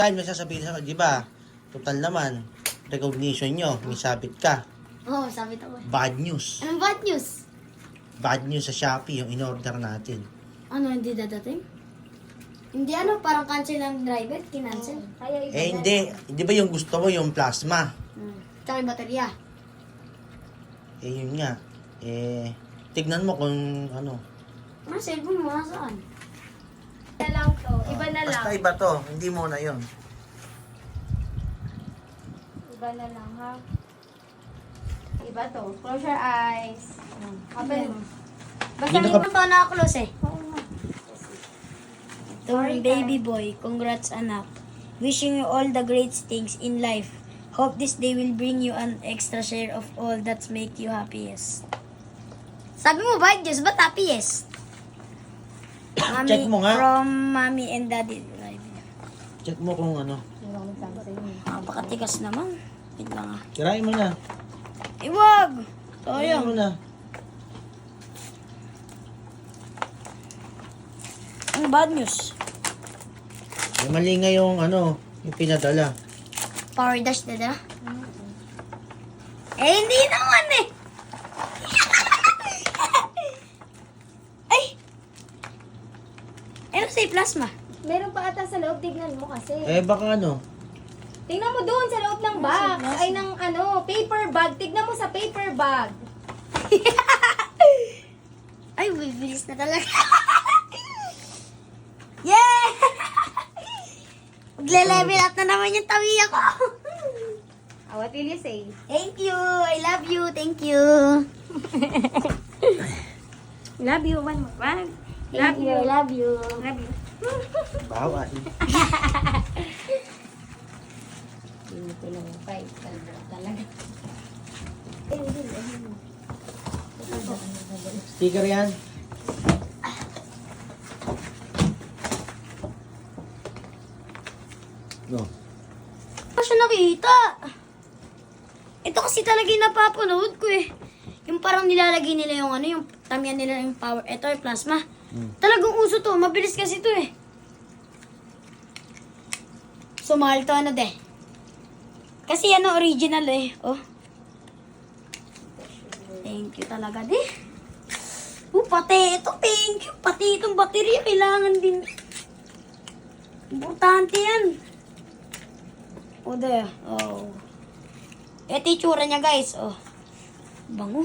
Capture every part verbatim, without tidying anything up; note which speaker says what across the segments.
Speaker 1: Time na sasabihin sa di ba? Total naman, recognition nyo, may sabit ka.
Speaker 2: Oo, oh, sabi ko.
Speaker 1: Bad news.
Speaker 2: Anong bad news?
Speaker 1: Bad news sa Shopee, yung in-order natin.
Speaker 2: Ano, hindi dadating? Hindi ano, parang cancel ng driver, kinancel. Kaya iba
Speaker 1: Eh hindi, hindi ba yung gusto mo yung plasma?
Speaker 2: Hmm. Tsaka yung baterya.
Speaker 1: Eh yun nga. Eh, tignan mo kung ano.
Speaker 2: Ano, cellphone mo, nasaan? Na lang to, iba na lang.
Speaker 1: Basta iba to, hindi mo na yun.
Speaker 2: Iba na lang, ha? Iba to. Close your eyes. Open mo. Basta
Speaker 1: Hindi
Speaker 2: hindi
Speaker 1: na
Speaker 2: mo to nakaklose eh. To baby boy, congrats anak. Wishing you all the great things in life. Hope this day will bring you an extra share of all that make you happiest. Sabi mo ba, Diyos, ba't happiest? Mami,
Speaker 1: Check mo nga.
Speaker 2: From mommy and daddy.
Speaker 1: Check mo kung ano.
Speaker 2: Napakatigas naman. Wait lang ah.
Speaker 1: Kirain mo na.
Speaker 2: Iwag!
Speaker 1: Kirain mo
Speaker 2: Sayang.
Speaker 1: na.
Speaker 2: Ang bad news.
Speaker 1: Eh, mali nga yung ano, yung pinadala.
Speaker 2: Power dash na na? Eh, hindi naman eh. Ay! Ano sa'yo plasma?
Speaker 3: Meron pa ata sa loob, tignan mo kasi.
Speaker 1: Eh, baka ano.
Speaker 3: Tingnan mo doon sa loob ng box. Ay, ng ano, paper bag. Tignan mo sa paper bag.
Speaker 2: Ay, bibilis na talaga. Yeah! Magle-level up na naman yung tawi ako.
Speaker 3: Oh, what will you say?
Speaker 2: Thank you. I love you. Thank you.
Speaker 3: Love you. One more. One.
Speaker 2: Thank you. I love you.
Speaker 3: Love you.
Speaker 1: Bawal.
Speaker 3: Ito lang yung five. Talaga.
Speaker 1: Sticker yan. No.
Speaker 2: Ano siya nakita? Ito kasi talaga yung napapanood ko eh. Yung parang nilalagay nila yung ano, yung tamihan nila yung power. Ito yung plasma.
Speaker 1: Hmm.
Speaker 2: Talagang uso to. Mabilis kasi to eh. So, mahal to ano de. Kasi ano, original eh. Oh. Thank you talaga de. Oh, pati ito. Thank you. Pati itong baterya. Kailangan din. Importante yan. O, de. Oh. Ito yung tsura niya, guys. Oh. Bango.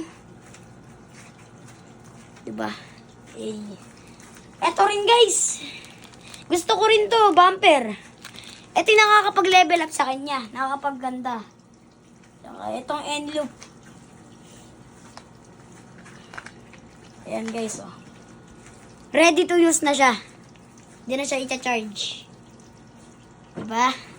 Speaker 2: Diba? Eh. Ito rin, guys. Gusto ko rin to, bumper. Ito yung nakakapag-level up sa kanya. Nakakapag-ganda. Saka itong end loop. Ayan, guys, oh. Ready to use na siya. Hindi na siya i-charge. Diba?